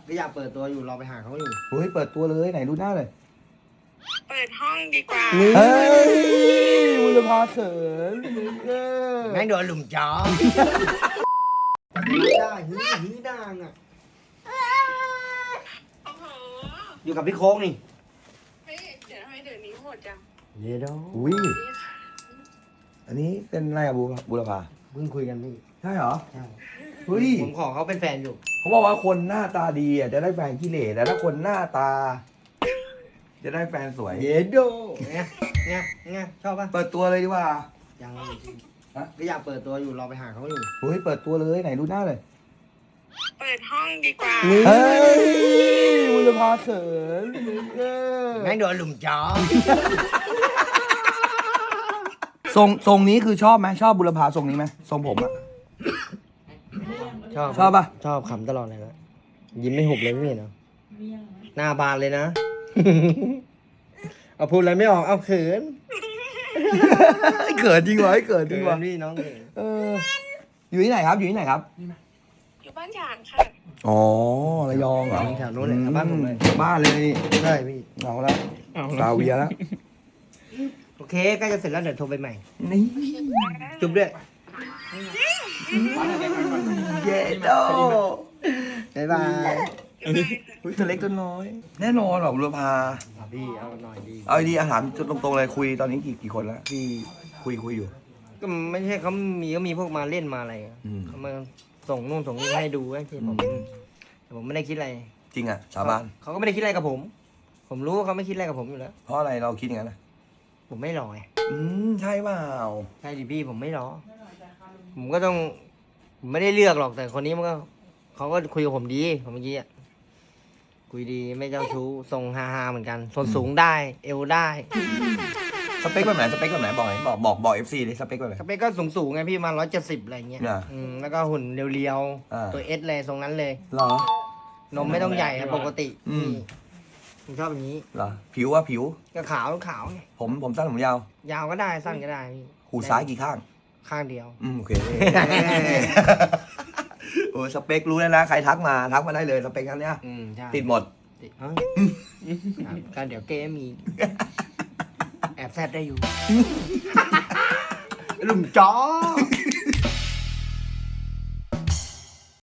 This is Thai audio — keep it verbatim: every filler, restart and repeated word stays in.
ก็อยากเปิดตัวอยู่รอไปหาเขาอยู่เฮ้ยเปิดตัวเลยไหนดูหน้าเลยเปิดห้องดีกว่าเฮ้ยบุรพาเขินเออแม่งโดนหลุมจ้อได้ฮีฮีดังอ่ะโอ้โหอยู่กับพี่โค้งนี่เฮ้ยเดี๋ยวทำไมเดี๋ยวนี้โหดจังเดี๋ยวอุ้ยอันนี้เป็นอะไรอะบุบุรพาเพิ่งคุยกันพี่ใช่เหรอใช่เฮ้ยผมขอเขาเป็นแฟนอยู่เขาบอกว่าคนหน้าตาดีอ่ะจะได้แฟนขี้เหร่แต่ถ้าคนหน้าตา จะได้แฟนสวยเดี๋ยวดูเนี่ยเนี่ยเนี่ยชอบป่ะเปิดตัวเลยดีกว่ายังฮะก็อยากเปิดตัวอยู่รอไปหาเขาอยู่เฮ้ยเปิดตัวเลยไหนดูหน้าเลยเปิดห้องดีกว่าเฮ้ยบุรพาเขินเออแม่งโดนหลุมจ้อทรงทรงนี้คือชอบไหมชอบบุรพาทรงนี้ไหมทรงผมอะชอบชอบป่ะชอบขำตลอดเลยนะยิ้มไม่หุบเลยพี่เนาะหน้าบานเลยนะ เอาพูดอะไรไม่ออกเอาเขินเขินจริงวะเขินจริงวะพี่น้องเขินเอออยู่ที่ไหนครับอยู่ที่ไหนครับอยู่บ้านฉางค่ะอ๋อระยองเหรอแถวนู้นเลยบ้านผมเลยบ้านเลยใช่พี่เอาแล้วซาเวียแล้วโอเคใกล้จะเสร็จแล้วเดี๋ยวโทรไปใหม่นี่จุ๊บด้วยเย็ดโดบ๊ายบายอุ้ยตัวเล็กตัวน้อย แน่นอนหรอบุรพาพี่เอาหน่อยดีเอาดีอาหารตรงๆเลยคุยตอนนี้กี่กี่คนแล้วที่คุยคุยอยู่ก็ไม่ใช่เขามีก็มีพวกมาเล่นมาอะไรอะอืมเขามาส่งนู่นส่งนี่ให้ดูให้ที่ผมอืมแต่ผมไม่ได้คิดอะไรจริงอ่ะสาบานเขาก็ไม่ได้คิดอะไรกับผม ผมรู้ว่าเขาไม่คิดอะไรกับผมอยู่แล้วเพราะอะไรเราคิดอย่างนั้นนะผมไม่รอไงอืมใช่เปล่าใช่ดิพี่ผมไม่รอ ผมก็ต้องผมไม่ได้เลือกหรอกแต่คนนี้มันก็เขาก็คุยกับผมดีผมเมื่อกี้อะคุยดีไม่เจ้าชู้ทรงฮาฮาๆเหมือนกันส่วนสูงได้ เอวได้สเปคแบบไหนสเปคแบบไหนบอกหน่อยบอกบอกบอกเอฟซีเลยสเปคแบบไหนสเปคก็สูงสูงๆไงพี่มาร้อยเจ็ดสิบอะไรเงี้ยอ่าอืมแล้วก็หุ่นเรียวอ่าๆตัวเอสเลยทรงนั้นเลยเหรอนมไม่ต้องใหญ่ครับปกติอืมผมชอบอย่างนี้เหรอผิวว่าผิวก็ขาวขาวไงผมผมสั้นผมยาวยาวก็ได้สั้นก็ได้พี่หูซ้ายกี่ข้างข้างเดียวอืมโอเค โอ้สเปครู้แล้วนะใครทักมาทักมาได้เลยสเปคนั้นเนี้ยอืมใช่ติดหมดติดเอ้ยครับการเดี๋ยวเก้มี แอบแซดได้อยู่ หลุมจ้อ